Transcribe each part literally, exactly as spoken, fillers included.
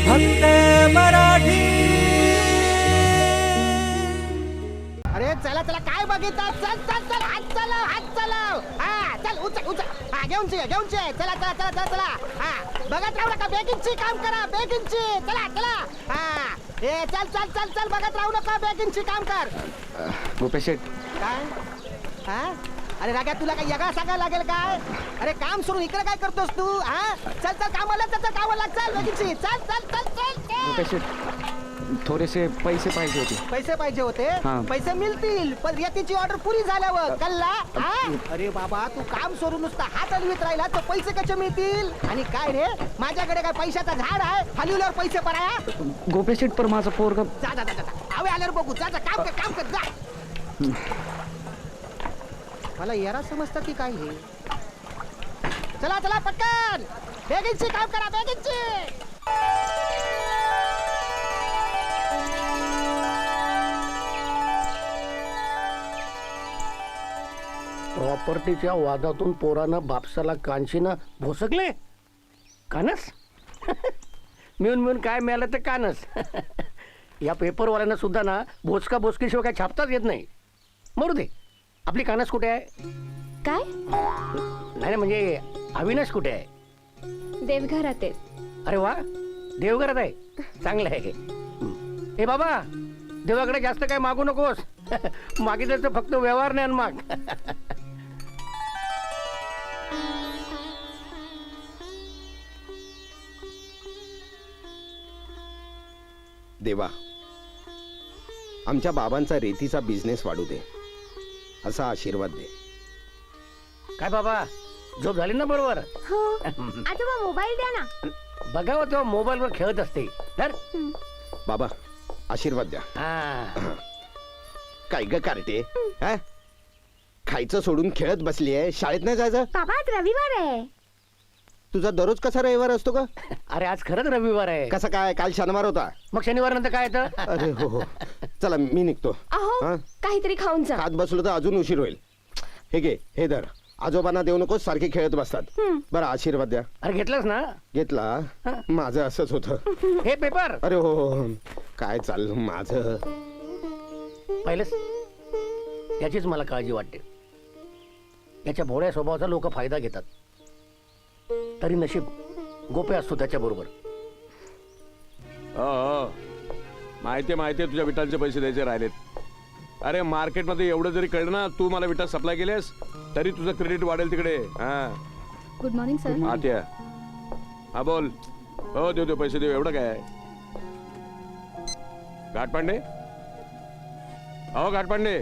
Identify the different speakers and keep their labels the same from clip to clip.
Speaker 1: फक्त मराठी.
Speaker 2: अरे चला चला काय बघितलं, चल चल चल हात चालव हात चालव. हा चल उचल उचल, हा घेऊन चे घेऊन चे, चला चला चला चला चला. हा बघत राहू नका, बेगिनची काम करा, बेगिनची. चला चला. हा ए चल चल चल चल, बघत राहू नका, बेगिनची काम कर.
Speaker 3: गोपेश शेठ,
Speaker 2: काय हा अरे राग्या, तुला काय यगा सांगायला लागेल काय? अरे काम सोडून इकडे काय करतोस तू? हा चल चल कामाला, चल चल कामाला, चल बेगिनची, चल चल चल चल चल.
Speaker 3: गोपेश शेठ, थोडेसे पैसे पाहिजे होते.
Speaker 2: पैसे पाहिजे होते?
Speaker 3: हा.
Speaker 2: पैसे मिळतील, पण रेतीची ऑर्डर पुरी झाल्यावर. कल्ला हा? अरे बाबा, तू काम सोडून नुसता हात हलवीत राहिला तर पैसे कसे मिळतील? आणि काय रे, माझ्याकडे काय पैशाचा झाड आहे हलविल्यावर पैसे पडाया?
Speaker 3: गोपेश शेठ, पर माझा पोरगा.
Speaker 2: जा जा जा जा, आवे आल्यावर बघू. जा जा, काम कर काम कर जा. मला येरा समजतं की काय हे? चला चला पटकन, बेगिनची काम करा, बेगिनची.
Speaker 4: प्रॉपर्टीच्या वादातून पोरानं बापसाला कानशीनं भोसकले. कानस मिळून मिळून काय मिळालं तर कानस. या पेपरवाल्यांना सुद्धा ना भोसका भोसकीशिवाय काय छापताच येत नाही. मरू दे, आपली कानस कुठे आहे?
Speaker 5: काय?
Speaker 4: नाही नाही, म्हणजे अविनाश कुठे आहे?
Speaker 5: देवघरात आहे.
Speaker 4: अरे वा, देवघरात आहे, चांगलं आहे. ए बाबा, देवाकडे जास्त काय मागू नकोस. मागितलं तर फक्त व्यवहार ज्ञान माग.
Speaker 6: देवा, आमच्या बाबांचा रेतीचा बिझनेस वाढू दे, असा आशीर्वाद दे.
Speaker 4: काय बाबा, झोप झाली ना बरोबर?
Speaker 5: हो. आजोबा मोबाईल द्या ना.
Speaker 4: बघावं तेव्हा मोबाईल वर खेळत असते. तर
Speaker 6: बाबा, आशीर्वाद द्या.
Speaker 4: हा,
Speaker 6: काय ग कार्टे, हा? खायचं सोडून खेळत बसली आहे, शाळेत नाही जायचं?
Speaker 5: बाबा आज रविवार आहे.
Speaker 6: तुझा दररोज कसा रविवार असतो का?
Speaker 4: अरे आज खरंच रविवार आहे.
Speaker 6: कसा काय, काल शनिवार होता.
Speaker 4: मग शनिवार नंतर काय येतं?
Speaker 6: अरे हो हो, चला मी निघतो.
Speaker 5: अहो
Speaker 6: हा?
Speaker 5: काहीतरी खाऊन जा.
Speaker 6: खात बसलो तर अजून उशीर होईल. हे घे, हे धर. आजोबांना देऊ नकोस, सारखे खेळत बसतात. बरं, आशीर्वाद द्या.
Speaker 4: अरे घेतलंस ना?
Speaker 6: घेतला. माझं असंच होतं.
Speaker 4: हे पेपर
Speaker 6: अरे हो हो, काय चाललं माझं?
Speaker 4: पाहिलंस, याचीच मला काळजी वाटते. याच्या भोळ्या स्वभावाचा लोक फायदा घेतात. तरी नशीब गोपे असतो त्याच्या बरोबर.
Speaker 7: माहिती माहिती तुझ्या विटांचे पैसे द्यायचे राहिलेत. अरे मार्केटमध्ये एवढं जरी कळलं ना, तू मला विटा सप्लाय केलेस तरी तुझं क्रेडिट वाढेल तिकडे. हा,
Speaker 5: गुड मॉर्निंग सर.
Speaker 7: आत या. हा बोल. हो देऊ देऊ, पैसे देऊ. एवढं काय? घाटपांडे, हो घाटपांडे.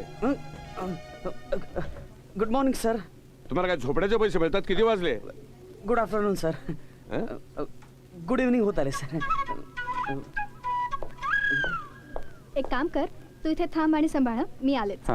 Speaker 8: Good morning sir.
Speaker 7: तुम्हाला काय झोपड्याचे पैसे मिळतात? किती वाजले?
Speaker 8: Good afternoon sir. Good evening होत आले सर.
Speaker 5: एक काम कर, तू इथे थांब आणि सांभाळ. मी आलेच.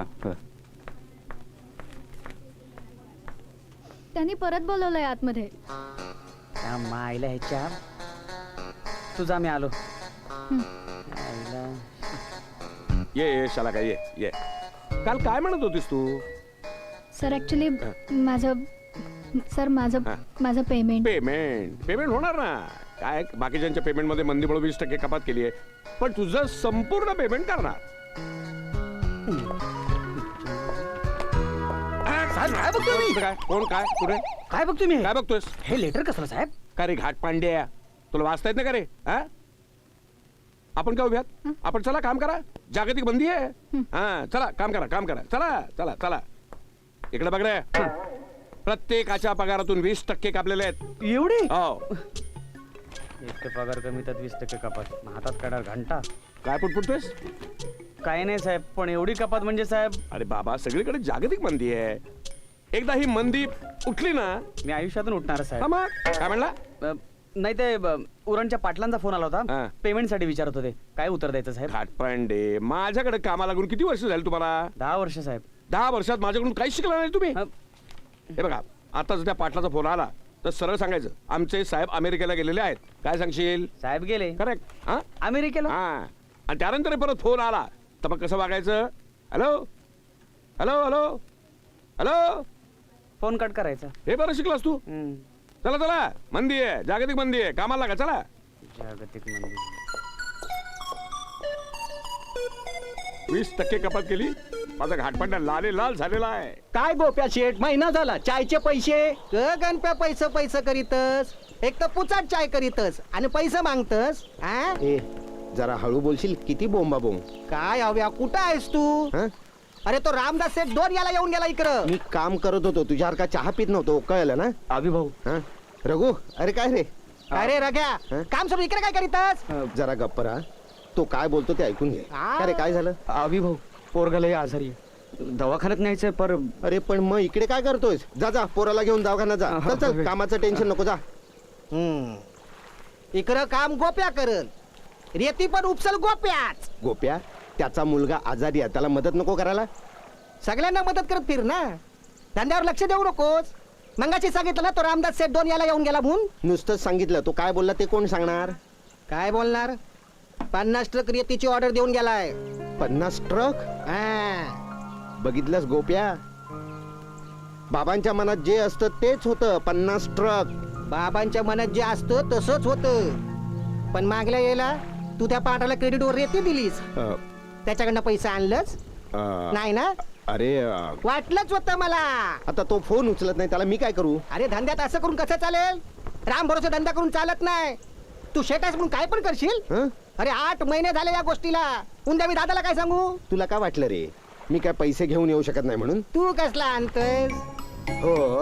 Speaker 5: त्यांनी परत बोलवलंय आतमध्ये.
Speaker 8: त्या मायला ह्याच्या तुझा मी आलो. आईला.
Speaker 7: ये ये शाला काय, ये ये. काल काय म्हणत होतीस तू?
Speaker 5: सर ऍक्च्युली माझं सर माझं माझं पेमेंट
Speaker 7: पेमेंट पेमेंट होणार ना. काय बाकीच्यांच्या पेमेंट मध्ये मंदीमुळे वीस टक्के कपात केली आहे, पण तुझं संपूर्ण पेमेंट करणार.
Speaker 8: काय बघतोय मी?
Speaker 7: काय कोण काय कुठे
Speaker 8: काय बघतोय मी?
Speaker 7: काय बघतोयस?
Speaker 8: हे लेटर कसलं साहेब?
Speaker 7: का रे घाट पांड्या, तुला वाचता येत ना का रे? हा, आपण काय उभ्यात? आपण चला काम करा. जागतिक बंदी आहे. हा चला काम करा, काम करा. चला चला चला. इकडे बघ रे, प्रत्येकाच्या पगारातून वीस टक्के कापलेले आहेत.
Speaker 8: एवढी?
Speaker 7: हो.
Speaker 8: एक पगार कमी त्यात वीस टक्के कपात. हातात काढा घंटा.
Speaker 7: काय पुटपुटतोयस?
Speaker 8: काय नाही साहेब, पण एवढी कपात म्हणजे साहेब.
Speaker 7: अरे बाबा, सगळीकडे जागतिक मंदी आहे. एकदा ही मंदी उठली ना,
Speaker 8: मी आयुष्यातून उठणार
Speaker 7: हा
Speaker 8: साहेब.
Speaker 7: मग काय म्हणला?
Speaker 8: अ, नाही ते ब, उरणच्या पाटलांचा फोन आला
Speaker 7: हा.
Speaker 8: होता. पेमेंट साठी विचारत होते. काय उत्तर द्यायचं साहेब?
Speaker 7: घाटपांडे, माझ्याकडे कामाला लागून किती वर्ष झाली तुम्हाला?
Speaker 8: दहा वर्ष साहेब.
Speaker 7: दहा वर्षात माझ्याकडून काहीच शिकला नाही तुम्ही.
Speaker 8: अ,
Speaker 7: हे बघा, आता जर त्या पाटलाचा फोन आला तर सरळ सांगायचं आमचे साहेब अमेरिकेला गेलेले आहेत. काय सांगशील?
Speaker 8: साहेब गेले
Speaker 7: करेक्ट. हा
Speaker 8: अमेरिकेला.
Speaker 7: हा, आणि त्यानंतर परत फोन आला तर मग कसं वागायचं? Hello hello hello hello,
Speaker 8: phone cut करायचा.
Speaker 7: हे बरं शिकलास तू.
Speaker 8: हम्म.
Speaker 7: चला चला, मंदी आहे, जागतिक मंदी आहे, कामाला लागा. चला
Speaker 8: जागतिक मंदी.
Speaker 7: वीस टक्के कपात केली. माझा घाटपांडा लाले लाल झालेला आहे.
Speaker 4: काय गोप्या शेठ महिना झाला चायचे पैसे.
Speaker 2: ग गणप्या पैसे पैसे करीतस, एक तर पुचाट चाय करीतस आणि पैसे मागतस. हा
Speaker 6: ए जरा हळू बोलशील, किती बोंबा बोंब.
Speaker 2: काय हव्या, कुठं आहेस तू?
Speaker 6: हं?
Speaker 2: अरे तो रामदास सेठ दोन याला येऊन गेला इकडं.
Speaker 6: मी काम करत होतो, तुझ्यासारखा चहा पित नव्हतो, कळलं ना?
Speaker 3: अभि भाऊ
Speaker 6: हं? रघु, अरे काय रे?
Speaker 2: अरे रग्या,
Speaker 6: हं?
Speaker 2: काम सोडून इकडे काय करीतस?
Speaker 6: जरा गप्प राहा. तो काय बोलतो ते ऐकून घे.
Speaker 2: आ.
Speaker 6: अरे काय झालं?
Speaker 3: अभि भाऊ पोरगाला आजारी आहे. दवाखान्यात न्यायचंय पर
Speaker 6: अरे पण मग इकडे काय करतोयस? जा जा पोराला घेऊन दवाखान्यात जा.
Speaker 3: हा,
Speaker 6: चल चल,
Speaker 3: हा.
Speaker 6: कामाचं टेन्शन नको, जा.
Speaker 2: हम्म. इकडं काम गोप्या करल, रेती पण उपसल गोप्याच.
Speaker 6: गोप्या, त्याचा मुलगा आजारी आहे, त्याला मदत नको करायला?
Speaker 2: सगळ्यांना मदत करत फिर ना, धंद्यावर लक्ष देऊ नकोस. मंगाशी सांगितलं ना तो रामदास सेठ दोन याला येऊन गेला म्हणून.
Speaker 6: नुसतंच सांगितलं, तो काय बोलला ते कोण सांगणार?
Speaker 2: काय बोलणार? पन्नास ट्रक रेतीची ऑर्डर देऊन गेलाय.
Speaker 6: पन्नास ट्रक?
Speaker 2: हा.
Speaker 6: बघितलंस गोप्या, बाबांच्या मनात जे असतं तेच होतं. पन्नास ट्रक.
Speaker 2: बाबांच्या मनात जे असतं तसंच होतं, पण मागल्या यायला तू त्या पाटाला क्रेडिटवर रेती दिलीस,
Speaker 6: अ,
Speaker 2: त्याच्याकडनं पैसा आणलंच
Speaker 6: अ,
Speaker 2: नाही ना?
Speaker 6: अरे अ,
Speaker 2: वाटलंच होतं मला.
Speaker 6: आता तो फोन उचलत नाही, त्याला मी काय करू?
Speaker 2: अरे धंद्यात असं करून कसं चालेल? राम भरोसा धंदा करून चालत नाही. तू शेटास म्हणून काय पण करशील?
Speaker 6: हं?
Speaker 2: अरे आठ महिने झाले या गोष्टीला. उद्या मी दादाला काय सांगू?
Speaker 6: तुला काय वाटलं रे, मी काय पैसे घेऊन येऊ शकत नाही म्हणून?
Speaker 2: तू कसला आणतोयस?
Speaker 6: हो,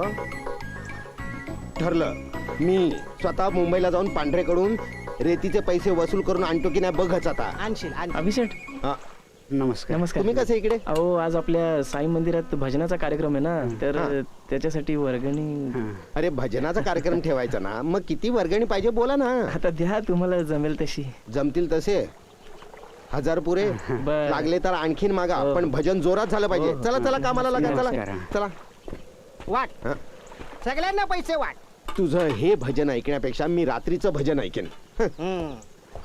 Speaker 6: ठरलं. मी स्वतः मुंबईला जाऊन पांढरेकडून रेतीचे पैसे वसूल करून आणतो की नाही बघच आता.
Speaker 2: आणशील आणशील.
Speaker 3: अभिषेक
Speaker 6: हा,
Speaker 3: नमस्कार नमस्कार.
Speaker 6: तुम्ही कसे इकडे?
Speaker 3: अहो आज आपल्या साई मंदिरात भजनाचा कार्यक्रम आहे ना, तर
Speaker 6: हा.
Speaker 3: त्याच्यासाठी वर्गणी.
Speaker 6: अरे भजनाचा कार्यक्रम ठेवायचा ना, मग किती वर्गणी पाहिजे बोला ना.
Speaker 3: आता द्या तुम्हाला जमेल तशी.
Speaker 6: जमतील तसे हजार पुरे.
Speaker 3: बर.
Speaker 6: लागले तर आणखीन मागा,
Speaker 3: हो.
Speaker 6: पण भजन जोरात झालं पाहिजे.
Speaker 3: हो.
Speaker 6: चला चला कामाला लागा, चला
Speaker 3: नमस्कार.
Speaker 6: चला.
Speaker 2: वाट,
Speaker 6: हा.
Speaker 2: सगळ्यांना पैसे वाट.
Speaker 6: तुझं हे भजन ऐकण्यापेक्षा मी रात्रीचं भजन ऐकेन. हं.
Speaker 2: हम्म.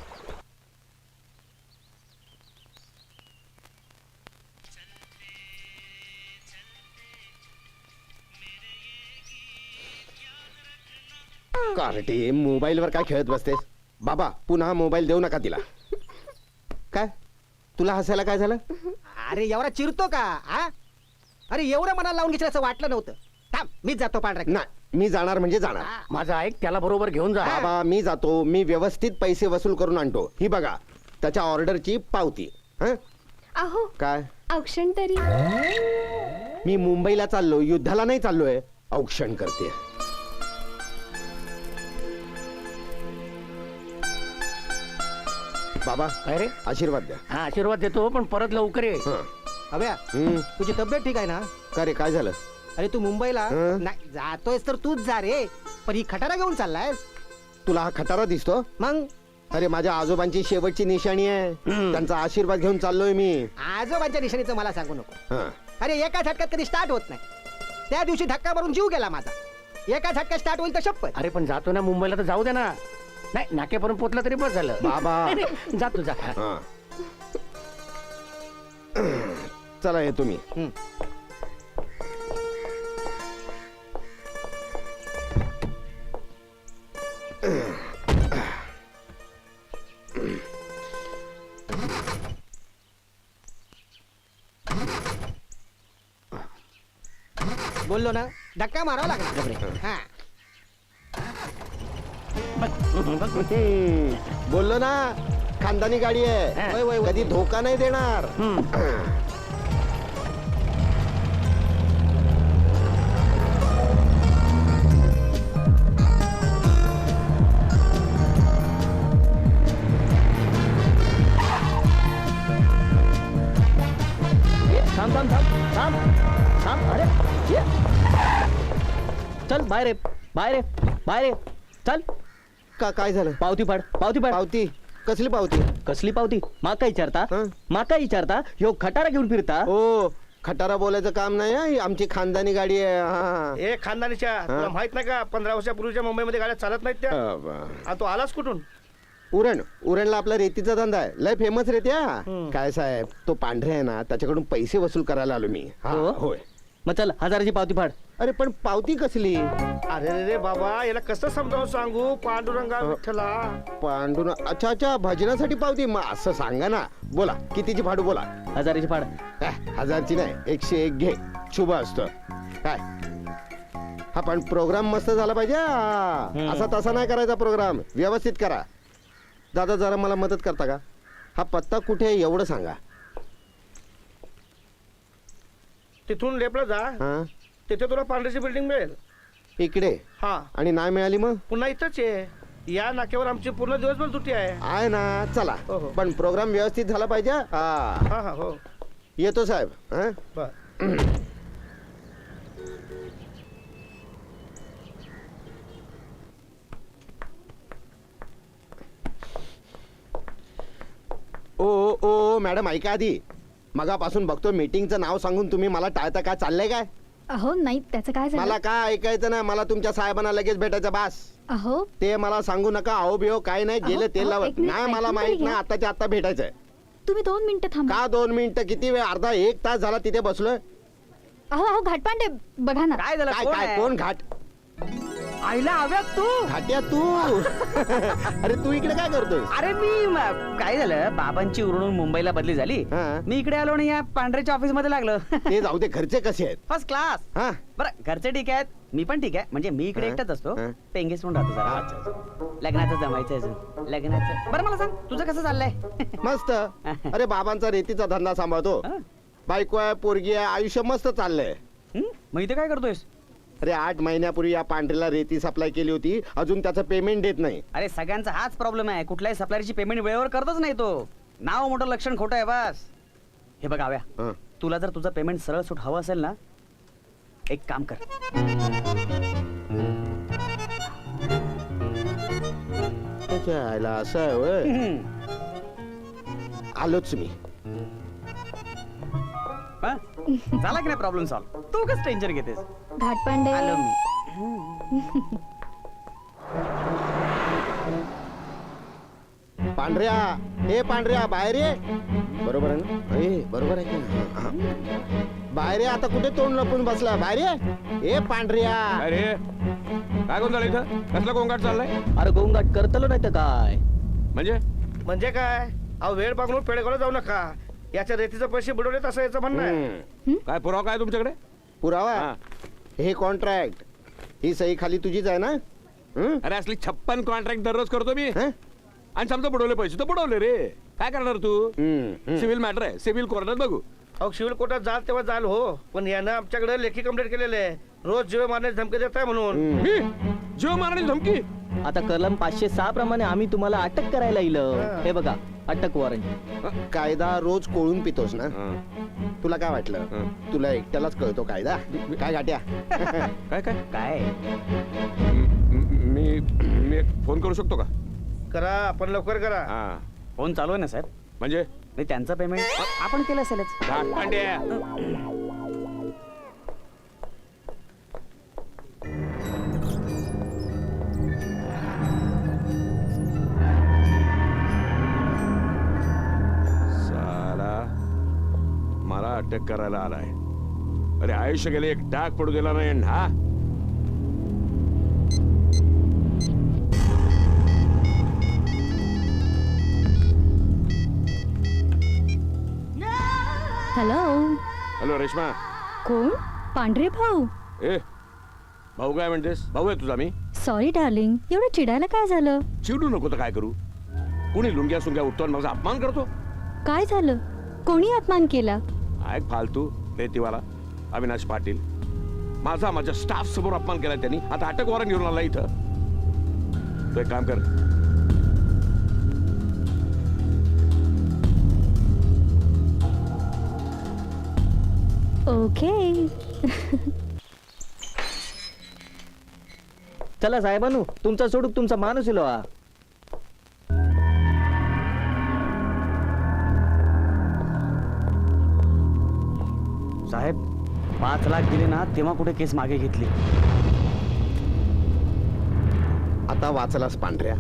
Speaker 6: कार्टे, मोबाईलवर काय खेळत बसतेस? बाबा पुन्हा मोबाईल देऊ नका तिला. काय तुला हसायला काय झालं?
Speaker 2: अरे एवढा चिरतो का? हा, अरे एवढं मनाला लावून घेतलं असं वाटलं नव्हतं. थांब, मीच जातो पांढरा.
Speaker 6: नाही, मी जाणार म्हणजे जाणार.
Speaker 4: माझं ऐक, त्याला बरोबर घेऊन जा.
Speaker 6: बाबा मी जातो, मी व्यवस्थित पैसे वसूल करून आणतो. ही बघा त्याच्या ऑर्डरची पावती. हं?
Speaker 5: अहो
Speaker 6: काय?
Speaker 5: औक्षण तरी.
Speaker 6: मी मुंबईला चाललो, युद्धाला नाही चाललोय. औक्षण करते. बाबा
Speaker 4: काय रे?
Speaker 6: आशीर्वाद द्या.
Speaker 4: हा आशीर्वाद देतो, पण परत लवकर ये.
Speaker 6: हं.
Speaker 2: हव्या,
Speaker 6: हं.
Speaker 2: तुझी तब्येत ठीक आहे ना?
Speaker 6: का रे काय झालं?
Speaker 2: अरे तू मुंबईला
Speaker 6: हं?
Speaker 2: नाही जातोयस तर तूच जा रे, पण ही खटारा घेऊन चाललायस
Speaker 6: तुला हा खटारा दिसतो?
Speaker 2: मग?
Speaker 6: अरे माझ्या आजोबांची शेवटची निशाणी आहे. त्यांचा आशीर्वाद घेऊन चाललोय मी.
Speaker 2: आजोबांच्या निशाणीचं मला सांगू नको.
Speaker 6: हं.
Speaker 2: अरे एका झटक्यात कधी स्टार्ट होत नाही. त्या दिवशी धक्का मारून जीव गेला माझा. एका झटक्यात स्टार्ट होईल तर शपथ.
Speaker 4: अरे पण जातो ना मुंबईला, तर जाऊ दे ना. नाही नाक्यापर्यंत पोचला तरी बस झालं.
Speaker 6: बाबा.
Speaker 4: नाही, नाही, जातो जा.
Speaker 6: हं. चला येतो मी.
Speaker 2: हं. बोललो ना, धक्का मारावा लागला. हा,
Speaker 6: हम्म. बोललो ना, खानदानी गाडी आहे.
Speaker 2: वय, वय, वय.
Speaker 6: कधी धोका नाही देणार.
Speaker 8: थांब थांब थांब थांब थांब. अरे ये. चल बाहेर ये, बाहेर ये, बाहेर ये. चल
Speaker 6: का काय झालं?
Speaker 8: पावती फाड, पावती फाड.
Speaker 6: पावती? कसली पावती?
Speaker 8: कसली पावती? माका विचारता?
Speaker 6: हं?
Speaker 8: माका विचारता? ह्यो खटारा घेऊन फिरता?
Speaker 6: हो, खटारा बोलायचं काम नाही हं. ही आमची खानदानी गाडी आहे. हा.
Speaker 9: ए खानदानीच्या तुला माहित नाही का पंधरा वर्षापूर्वीच्या मुंबईमध्ये गाड्या चालत नाहीत त्या?
Speaker 6: अ, ब-
Speaker 9: आणि तो आलास कुठून?
Speaker 6: उरण उरणला आपला रेतीचा धंदा आहे. लय फेमस रेत्या. काय साहेब, तो पांढरे आहे ना, त्याच्याकडून पैसे वसूल करायला आलो मी. हा,
Speaker 8: हो?
Speaker 6: होय.
Speaker 8: मग चल हजाराची पावती फाड.
Speaker 6: अरे पण पावती कसली?
Speaker 9: अरे रे रे बाबा याला कसं समजावून सांगू पांडुरंगा विठ्ठला.
Speaker 6: पांडुना अच्छा अच्छा भजनासाठी पावती. मग असं सांगा ना. बोला कितीची फाडू बोला.
Speaker 8: हजारीची फाड.
Speaker 6: काय, हजारची नाही एकशे एक घे. शुभ असतं काय. हा पण प्रोग्राम मस्त झाला पाहिजे हा. असा तसा नाही करायचा प्रोग्राम. व्यवस्थित करा. दादा जरा मला मदत करता का? हा पत्ता कुठे आहे एवढं सांगा.
Speaker 9: तिथून लेपला जा
Speaker 6: हा
Speaker 9: तिथे तुला पांढरीची बिल्डिंग मिळेल.
Speaker 6: इकडे
Speaker 9: हा
Speaker 6: आणि नाही मिळाली मग?
Speaker 9: पुन्हा इथंच आहे. या नाक्यावर आमची पूर्ण दिवसभर सुट्टी आहे.
Speaker 6: आहे ना. चला
Speaker 9: हो, हो.
Speaker 6: पण प्रोग्राम व्यवस्थित झाला पाहिजे हा.
Speaker 9: हा हा हो
Speaker 6: येतो साहेब. हा
Speaker 9: बर.
Speaker 6: ओ ओ मॅडम ऐका आधी. मगापासून बघतो मीटिंगचं नाव सांगून तुम्ही मला टाळता. काय चाललंय काय?
Speaker 5: अहो नाही त्याचं काय झालं?
Speaker 6: मला काय ऐकायचं नाही. मला तुमच्या साहेबांना लगेच भेटायचं बास.
Speaker 5: अहो
Speaker 6: ते मला सांगू नका. अहो बिहो काय नाही.
Speaker 5: अहो,
Speaker 6: गेले तेल
Speaker 5: अहो,
Speaker 6: लावत
Speaker 5: एक मिनिट,
Speaker 6: नाही. मला
Speaker 5: ऐकून
Speaker 6: माहित
Speaker 5: तरी
Speaker 6: नाही.
Speaker 5: घ्या.
Speaker 6: आताच्या आता भेटायचंय.
Speaker 5: तुम्ही दोन मिनिटं थांबा.
Speaker 6: का दोन मिनिटं? किती वेळ? अर्धा एक तास झाला तिथे बसलोय.
Speaker 5: अहो अहो घाटपांडे बघा ना.
Speaker 8: काय झालं?
Speaker 6: काय
Speaker 8: कोण
Speaker 6: काय
Speaker 8: आहे?
Speaker 6: कोण घाट?
Speaker 8: आईला हव्यात तू.
Speaker 6: घाट्या तू. अरे तू इकडे काय करतोय?
Speaker 8: अरे मी म- काय झालं बाबांची उरणून मुंबईला बदली झाली.
Speaker 6: हा.
Speaker 8: मी इकडे आलो आणि या पांढऱ्याच्या ऑफिस मध्ये लागलो.
Speaker 6: ते जाऊ दे. घरचे कसे आहेत?
Speaker 8: First class.
Speaker 6: हा
Speaker 8: बरं घरचे ठीक आहेत. मी पण ठीक आहे. म्हणजे मी इकडे
Speaker 6: हा,
Speaker 8: एकटाच असतो.
Speaker 6: हा.
Speaker 8: पेंगेस म्हणून राहतो जरा. लग्नाचं जमायचं अजून. लग्नाचं बरं मला सांग तुझं कसं चाललंय?
Speaker 6: मस्त. अरे बाबांचा रेतीचा धंदा सांभाळतो.
Speaker 8: हा.
Speaker 6: बायको आहे पोरगी आहे. आयुष्य मस्त चाललंय.
Speaker 8: हं? मग इथे काय करतोयस?
Speaker 6: अरे आठ महिन्यापूर्वी या पांढरीला रेती सप्लाय केली होती. अजून त्याचं पेमेंट देत नाही.
Speaker 8: अरे सगळ्यांचा हाच प्रॉब्लेम आहे. कुठल्याही सप्लायरची पेमेंट वेळेवर करतच नाही तो. नाव मोठं लक्षण खोटं आहे बस. हे बघ आव्या
Speaker 6: हं.
Speaker 8: तुला जर तुझं पेमेंट सरळ सूट हवं असेल ना एक काम कर.
Speaker 6: त्याच्या आईला असं आहे होय.
Speaker 8: हं.
Speaker 6: आलोच मी.
Speaker 8: हा? झाला की नाही प्रॉब्लेम सॉल्व? तू कसं टेन्शन घेतेस?
Speaker 5: घाटपांडे
Speaker 8: आलो मी.
Speaker 6: पांढऱ्या हे पांढऱ्या बाहेर ये. बरोबर आहे ना? ए, बरोबर आहे की नाही? हा, हा. बाहेर ये. आता कुठे तोंड लपून बसला? बाहेर ये. ए पांढऱ्या.
Speaker 7: अरे काय गोंधळ इथं? कसला गोंगाट चाललाय?
Speaker 8: अरे गोंगाट करतलो नाही तर काय?
Speaker 7: म्हणजे
Speaker 9: म्हणजे काय अहो वेळ बघून पेडगावला जाऊ नका. याच्या रेतीचे पैसे बुडवलेत असं याचं म्हणणं आहे.
Speaker 6: हम्म.
Speaker 7: काय पुरावा काय तुमच्याकडे?
Speaker 6: पुरावा
Speaker 7: हा.
Speaker 6: हे कॉन्ट्रॅक्ट. ही सही खाली तुझीच आहे ना? हं?
Speaker 7: अरे असली छप्पन कॉन्ट्रॅक्ट दररोज करतो मी.
Speaker 6: हं?
Speaker 7: आणि समजा बुडवले पैसे तर बुडवले रे. काय करणार तू?
Speaker 6: हं, हं.
Speaker 7: सिव्हिल मॅटर आहे. सिव्हिल कोर्टात बघू.
Speaker 9: अहो सिव्हिल कोर्टात जाल तेव्हा जाल हो. पण यानं आमच्याकडे लेखी कंप्लेंट केलेले आहे. रोज जीव मारण्याची धमकी देत आहे म्हणून.
Speaker 6: हं.
Speaker 7: मी जीव मारण्याची धमकी?
Speaker 8: आता कलम पाचशे सहा प्रमाणे आम्ही तुम्हाला अटक करायला येईल. हे बघा अटक वॉरंट.
Speaker 6: कायदा रोज कोळून पितोस ना?
Speaker 7: हं.
Speaker 6: तुला काय वाटलं?
Speaker 7: हं.
Speaker 6: तुला एकट्यालाच कळतो कायदा? काय गाट्या?
Speaker 7: काय काय
Speaker 8: काय
Speaker 7: म- मी मी एक फोन करू शकतो का?
Speaker 9: करा आपण लवकर करा.
Speaker 7: हा
Speaker 8: फोन चालू आहे ना साहेब?
Speaker 7: म्हणजे
Speaker 8: नाही त्यांचं पेमेंट आपण केलं असेलच.
Speaker 7: घाटपांड्या. साला मला अटक करायला आलाय. अरे आयुष्य गेले एक डाग पडू दिला नाही हा.
Speaker 5: Hello
Speaker 7: hello Reshma.
Speaker 5: कोण? पांढरे भाऊ.
Speaker 7: ए भाऊ काय म्हणतेस? भाऊ आहे तुझा मी.
Speaker 5: सॉरी डार्लिंग एवढं चिडायला काय झालं?
Speaker 7: चिडू नको तर काय करू? कुणी लुंग्या सुंग्या उठतो आणि माझा अपमान करतो.
Speaker 5: काय झालं? कोणी अपमान केला?
Speaker 7: हा एक फालतू रेतीवाला अविनाश पाटील. माझा माझ्या स्टाफ समोर अपमान केला त्यांनी. आता अटक वॉरंट घेऊन आला इथं. तू एक काम कर.
Speaker 5: ओके.
Speaker 8: चला साहेबांनो तुमचा सोडूक तुमचा माणूस येलो. साहेब पाच लाख दिले ना तेव्हा कुठे केस मागे घेतली.
Speaker 6: आता वाचलास पांढऱ्या.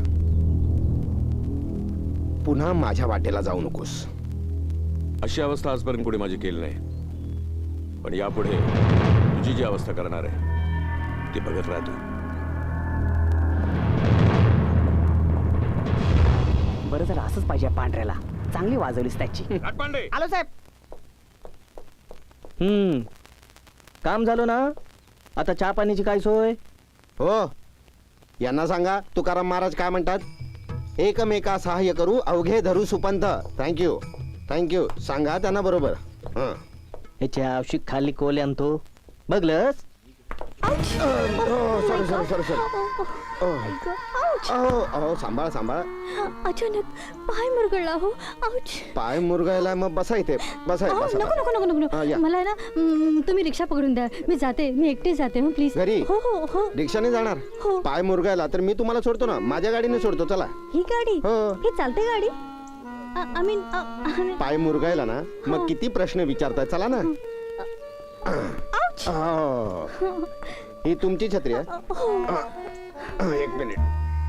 Speaker 6: पुन्हा माझ्या वाटेला जाऊ नकोस.
Speaker 7: अशी अवस्था आजपर्यंत कोणी माझी केली नाही. पण यापुढे तुझी जी अवस्था करणार आहे ते बघत राहतो.
Speaker 8: बरं झालं असंच पाहिजे पांढऱ्याला. चांगली वाजवलीस त्याची.
Speaker 7: घाटपांडे
Speaker 2: आलो साहेब.
Speaker 8: हम्म काम झालं ना. आता चहा पाण्याची काय सोय.
Speaker 6: हो, यांना सांगा तुकाराम महाराज काय म्हणतात. एकमेका सहाय्य करू अवघे धरू सुपंथ. थँक्यू थँक्यू सांगा त्यांना बरोबर. हं.
Speaker 8: ह्याची आवश्यक खाली कोल आणतो बघलस.
Speaker 6: सॉरी सॉरी सॉरी सॉरी अहो अहो सांभाळ सांभाळ.
Speaker 5: अचानक पाय मुरगळला हो. आउच.
Speaker 6: पाय मुरगायला मग बसा इथे बसा
Speaker 5: अहो,
Speaker 6: बसा
Speaker 5: नको नको नको
Speaker 6: हा,
Speaker 5: नको
Speaker 6: या.
Speaker 5: मला ना हम्म, तुम्ही रिक्षा पकडून द्या. मी जाते. मी एकटी जाते हो प्लीज.
Speaker 6: घरी?
Speaker 5: हो हो हो.
Speaker 6: रिक्षाने जाणार.
Speaker 5: हो.
Speaker 6: पाय मुरगायला तर मी तुम्हाला सोडतो ना. माझ्या गाडीने सोडतो चला.
Speaker 5: ही गाडी
Speaker 6: हो.
Speaker 5: ही चालते गाडी. आय मीन
Speaker 6: पाय मुरगायला ना मग किती प्रश्न विचारताय. चला ना. हो. ही तुमची छत्री आहे. एक मिनिट.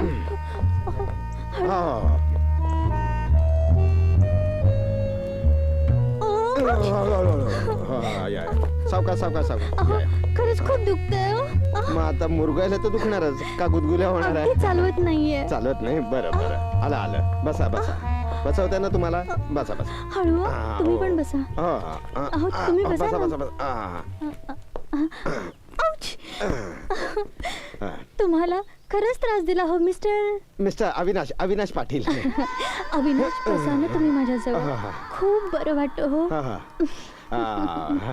Speaker 6: हो. हा, या, या. सावकाश सावकाश सावकाश या, या.
Speaker 5: खरंच खूप दुखतंय हो. आह,
Speaker 6: मग आता मुरगायला तर दुखणारच का गुदगुल्या होणार आहे.
Speaker 5: अगदी चालवत नाहीये.
Speaker 6: चालत नाही. बरं बरं आलं आलं. बसा बसा. बसवते ना तुम्हाला. बसा बसा.
Speaker 5: हळू
Speaker 6: हा,
Speaker 5: हा. तुम्ही
Speaker 6: हो.
Speaker 5: पण बसा.
Speaker 6: हो, हा, हा,
Speaker 5: अहो,
Speaker 6: हा,
Speaker 5: तुम्ही
Speaker 6: हा,
Speaker 5: बसा
Speaker 6: बसा
Speaker 5: ना.
Speaker 6: बसा बसा. हा,
Speaker 5: आउच.
Speaker 6: हा.
Speaker 5: तुम्हाला खरंच त्रास दिला हो मिस्टर
Speaker 6: मिस्टर अविनाश अविनाश पाटील.
Speaker 5: अविनाश. बसा ना तुम्ही माझ्याजवळ. खूप बरं वाटतं हो.
Speaker 6: हा, हा. आ,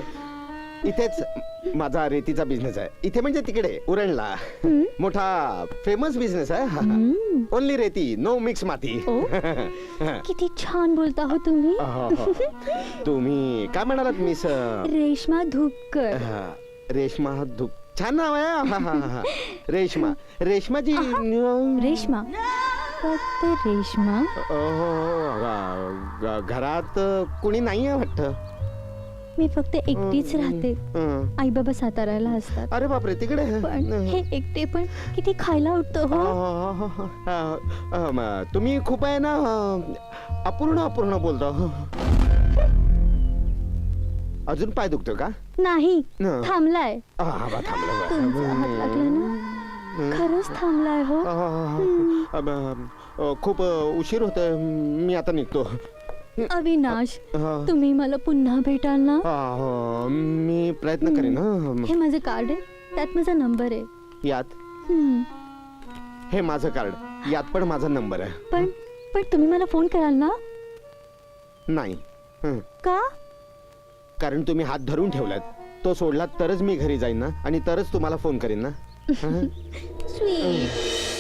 Speaker 6: इथेच माझा रेतीचा बिझनेस आहे. इथे म्हणजे तिकडे उरणला मोठा फेमस बिझनेस आहे. ओनली रेती नो मिक्स माती.
Speaker 5: ओ. किती छान बोलता हो तुम्ही.
Speaker 6: तुम्ही काय म्हणालात मिस.
Speaker 5: रेश्मा धुपकर.
Speaker 6: हा, रेश्मा धुप छान नाव आहे. हा, हा, हा. रेश्मा रेश्माजी.
Speaker 5: रेश्मा फक्त रेश्मा.
Speaker 6: अहो, ग- घरात कुणी नाही आहे वाटत.
Speaker 5: मी फक्त एकटीच राहते.
Speaker 6: हं.
Speaker 5: आई बाबा साताऱ्याला असतात.
Speaker 6: अरे बापरे तिकडे.
Speaker 5: पण हे एकटे पण किती खायला उठतं हो.
Speaker 6: अ, अ, म, तुम्ही खूप आहे ना अ, अपूर्ण अपूर्ण बोलता. अजून पाय दुखतो का.
Speaker 5: नाही
Speaker 6: न.
Speaker 5: थांबलाय.
Speaker 6: आ, बा, थांबलं
Speaker 5: तुमचा हात
Speaker 6: बा.
Speaker 5: लागला ना. खरंच थांबलाय हो.
Speaker 6: आ, आ, ब, अ, खूप उशीर होतोय. मी आता निघतो.
Speaker 5: अविनाश
Speaker 6: हा.
Speaker 5: तुम्ही मला पुन्हा भेटाल ना.
Speaker 6: आ, हो, मी प्रयत्न करेन. हं.
Speaker 5: हे माझं कार्ड आहे. त्यात माझा नंबर आहे.
Speaker 6: यात
Speaker 5: हम्म.
Speaker 6: हे माझं कार्ड. यात पण माझा नंबर आहे.
Speaker 5: पण पण तुम्ही मला फोन कराल ना.
Speaker 6: नाही. हं.
Speaker 5: का.
Speaker 6: कारण तुम्ही हात धरून ठेवलात. तो सोडलात तरच मी घरी जाईन ना आणि तरच तुम्हाला फोन करीन ना. हं?
Speaker 5: स्वीट.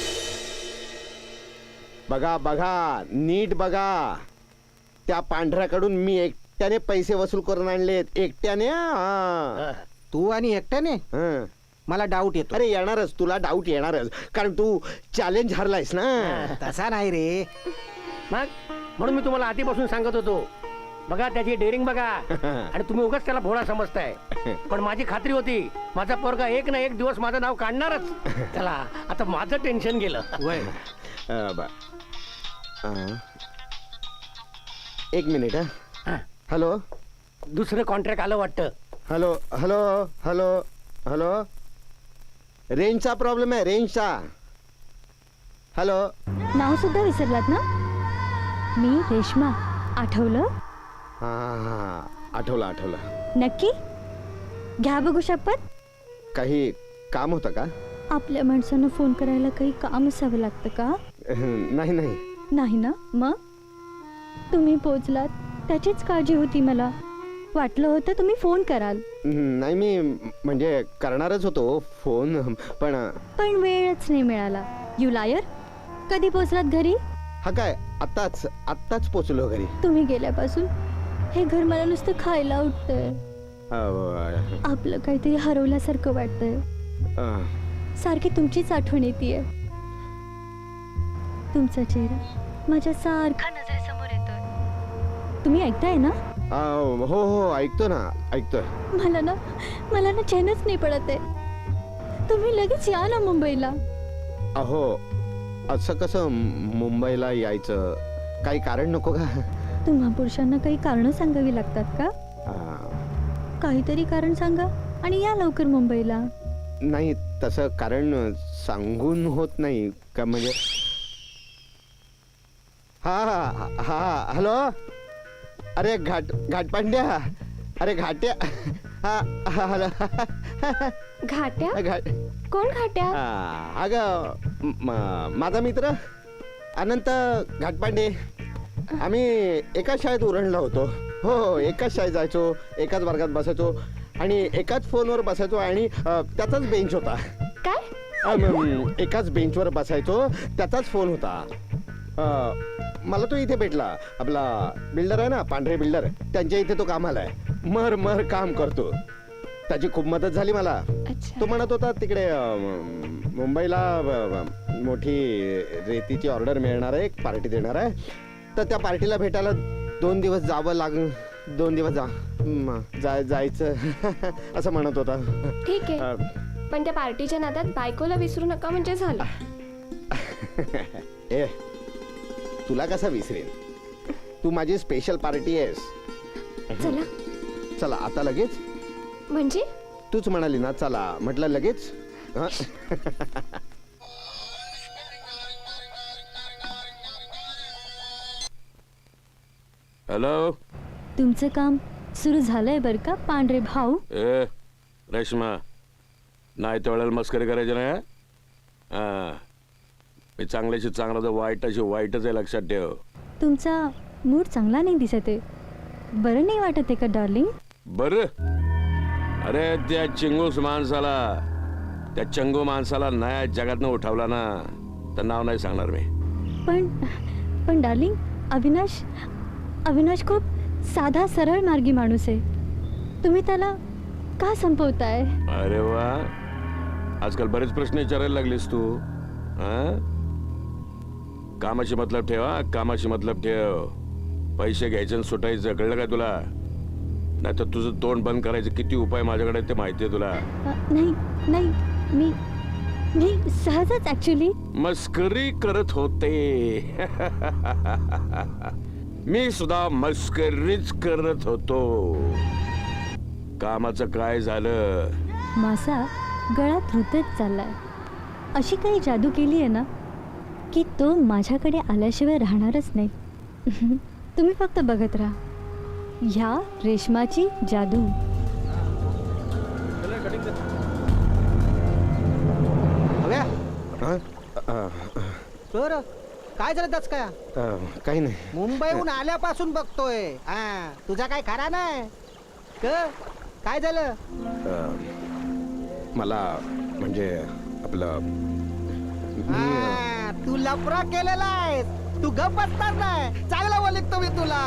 Speaker 6: बघा बघा नीट बघा. त्या पांढऱ्याकडून मी एकट्याने पैसे वसूल करून आणलेत. एकट्याने. हा.
Speaker 2: तू आणि एकट्याने.
Speaker 6: हं.
Speaker 2: मला डाऊट येतो.
Speaker 6: अरे येणारच. तुला डाऊट येणारच कारण तू चॅलेंज हरलायस ना.
Speaker 2: तसा नाही रे.
Speaker 4: मग म्हणून मी तुम्हाला आधीपासून सांगत होतो. बघा त्याची डेअरिंग बघा. आणि तुम्ही उगाच त्याला भोळा समजताय. पण माझी खात्री होती माझा पोरगा एक ना एक दिवस माझं नाव काढणारच. चला आता माझं टेन्शन गेलं.
Speaker 6: वय. अं, ब- अं. एक मिनिट. हा. हॅलो
Speaker 4: दुसरं कॉन्ट्रॅक्ट आलं वाटतं.
Speaker 6: Hello hello hello hello. रेंजचा प्रॉब्लेम आहे. रेंजचा. हॅलो.
Speaker 5: नाव सुद्धा विसरलात ना. मी रेश्मा. आठवलं.
Speaker 6: हा हा आठवलं आठवलं.
Speaker 5: नक्की घ्या बघू शपथ.
Speaker 6: काही काम होतं का.
Speaker 5: आपल्या माणसांना फोन करायला काही काम असावं लागतं का.
Speaker 6: नाही नाही.
Speaker 5: नाही ना. मग तुम्ही पोचलात त्याचीच काळजी होती मला. वाटलं होतं तुम्ही फोन कराल.
Speaker 6: नाही मी म्हणजे करणारच होतो फोन पण.
Speaker 5: पण वेळच नाही मिळाला. यू लायर. कधी पोचलात घरी.
Speaker 6: हा काय आत्ताच आत्ताच पोचलो घरी.
Speaker 5: तुम्ही गेल्यापासून हे घर मला नुसतं खायला उठतंय.
Speaker 6: अं,
Speaker 5: आपलं काहीतरी हरवल्यासारखं वाटतंय.
Speaker 6: अं,
Speaker 5: सारखी तुमचीच आठवण येते. तुमचा चेहरा माझ्या सारखा नजरेसमोर येतोय. तुम्ही ऐकताय ना.
Speaker 6: अं, हो हो ऐकतो ना ऐकतोय.
Speaker 5: मला ना मला ना चैनच नाही पडत आहे. तुम्ही लगेच या ना मुंबईला.
Speaker 6: अहो असं कसं मुंबईला यायचं. काही कारण नको का.
Speaker 5: तुम्हा पुरुषांना काही कारण सांगावी लागतात का.
Speaker 6: अं,
Speaker 5: काहीतरी कारण सांगा आणि या लवकर मुंबईला.
Speaker 6: नाही तसं कारण सांगून होत नाही का म्हणजे हा हा हा हॅलो अरे घाट घाटपांड्या अरे घाट्या हा हा हॅलो
Speaker 5: घाट्या
Speaker 6: घाट
Speaker 5: कोण घाट्या
Speaker 6: हा, अगं म- माझा मित्र अनंत घाटपांडे आम्ही एकाच शाळेत उरणला होतो हो हो एकाच शाळेत जायचो एकाच वर्गात बसायचो आणि एकाच फोनवर बसायचो आणि अ, त्याचाच बेंच होता
Speaker 5: काय
Speaker 6: अ, म- एकाच बेंचवर बसायचो त्याचाच फोन होता अ, मला तो इथे भेटला आपला बिल्डर आहे ना पांढरे बिल्डर त्यांच्या इथे तो कामाला आहे मर मर काम करतो त्याची खूप मदत झाली मला
Speaker 5: अच्छा
Speaker 6: तो म्हणत होता तिकडे अ, म- मुंबईला अ, अ, मोठी रेतीची ऑर्डर मिळणार आहे एक पार्टी देणार आहे तर त्या पार्टीला भेटायला दोन दिवस जावं लाग दोन दिवस जा म, जाय जायचं असं म्हणत होता
Speaker 10: ठीक आहे
Speaker 6: अ,
Speaker 10: पण त्या पार्टीच्या नादात बायकोला विसरू नका म्हणजे झालं.
Speaker 6: ए तुला कसा विसरेन तू माझी स्पेशल पार्टी आहेस
Speaker 10: चला
Speaker 6: चला आता लगेच
Speaker 10: म्हणजे
Speaker 6: तूच म्हणाली ना चला म्हटलं लगेच हं?
Speaker 7: हॅलो
Speaker 5: तुमचं काम सुरू झालंय बरं का पांढरे भाऊ
Speaker 7: ए रेश्मा नाही त्या वेळेला मस्करी करायची नाही हं? हा मी चांगल्याशी चांगला तर वाईटाशी वाईटच आहे लक्षात ठेव
Speaker 5: तुमचा मूड चांगला नाही दिसत आहे बरं नाही वाटत आहे का डार्लिंग
Speaker 7: बर अरे त्या चिंगूस माणसाला त्या चंगू माणसाला नाही जगातनं उठवला ना तर नाव नाही सांगणार मी
Speaker 5: पण पण डार्लिंग अविनाश अविनाश खूप साधा सरळ मार्गी माणूस आहे तुम्ही त्याला का संपवताय
Speaker 7: अरे वा आजकाल बरेच प्रश्न विचारायला लागलीस तू हा कामाशी मतलब ठेव हा कामाशी मतलब ठेव पैसे घ्यायचे आणि सुटायचं कळलं का तुला नाही तर तुझं तोंड बंद करायचं किती उपाय माझ्याकडे ते माहिती आहे तुला
Speaker 5: अ, नाही नाही मी मी सहजच ऍक्च्युली
Speaker 7: मस्करी करत होते मी सुद्धा मस्करीच करत होतो कामाचं काय झालं
Speaker 5: मासा गळ्यात रुतत चाललाय अशी काही जादू केली आहे ना की तो माझ्याकडे आल्याशिवाय राहणारच नाही तुम्ही फक्त बघत राहा ह्या रेशमाची जादू
Speaker 2: हव्या
Speaker 6: हं? अ,
Speaker 2: सर काय झालं त्याच काय
Speaker 6: अ, काही नाही
Speaker 2: मुंबईहून आल्यापासून बघतोय हा तुझा काय खरा नाही क काय झालं
Speaker 6: अ, मला म्हणजे आपलं मी अ,
Speaker 2: हा, तू लफरा केलेला आहेस तू गप बसणार नाही चांगला बोलितो मी तुला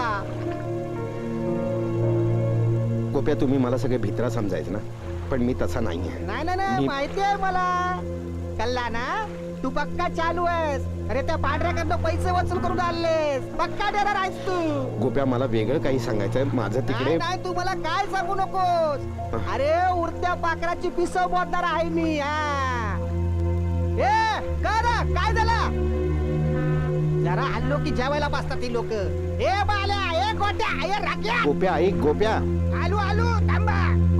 Speaker 6: गोप्या तुम्ही मला सगळे भित्रा समजायचं ना पण मी तसा नाही आहे
Speaker 2: नाही नाही नाही
Speaker 6: मी-
Speaker 2: माहिती आहे मला कल्ला ना तू पक्का चालू आहेस अरे त्या पांढऱ्याकडनं पैसे वसूल करून आणलेस पक्का देणार आहेस तू
Speaker 6: गोप्या मला वेगळं काही सांगायचंय माझं तिकडे
Speaker 2: नाही नाही तू मला काय सांगू नकोस अरे उडत्या पाखराची पिसव मोडणार आहे मी हा ए का ना काय झालं जरा हल्लो की जेवायला बसतात ती लोक ए बाल्या ए गोट्या ए राख्या
Speaker 6: गोप्या ऐक गोप्या
Speaker 2: आलू आलू थांबा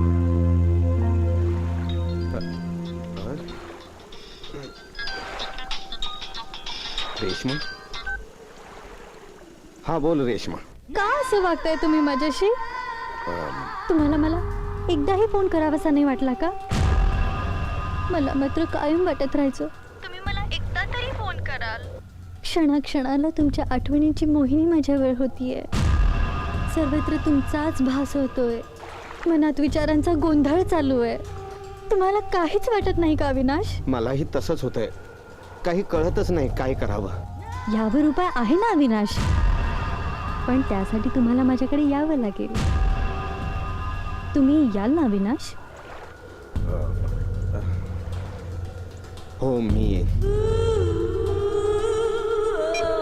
Speaker 6: रेश्मा हा बोल रेश्मा
Speaker 5: का असं वागताय तुम्ही माझ्याशी तुम्हाला मला एकदाही फोन करावासा नाही वाटला का मला मात्र कायम वाटत राहायचं तुम्ही मला एकदा तरी फोन कराल क्षणाक्षणाला तुमच्या आठवणींची मोहिनी माझ्यावर होतीये सर्वत्र तुमचाच भास होतोय मनात विचारांचा गोंधळ चालू आहे तुम्हाला काहीच वाटत नाही का अविनाश
Speaker 6: मलाही तसंच होतंय काही कळतच नाही काय करावं
Speaker 5: यावर उपाय आहे ना अविनाश पण त्यासाठी तुम्हाला माझ्याकडे यावं लागेल तुम्ही याल ना अविनाश
Speaker 6: हो मी येईन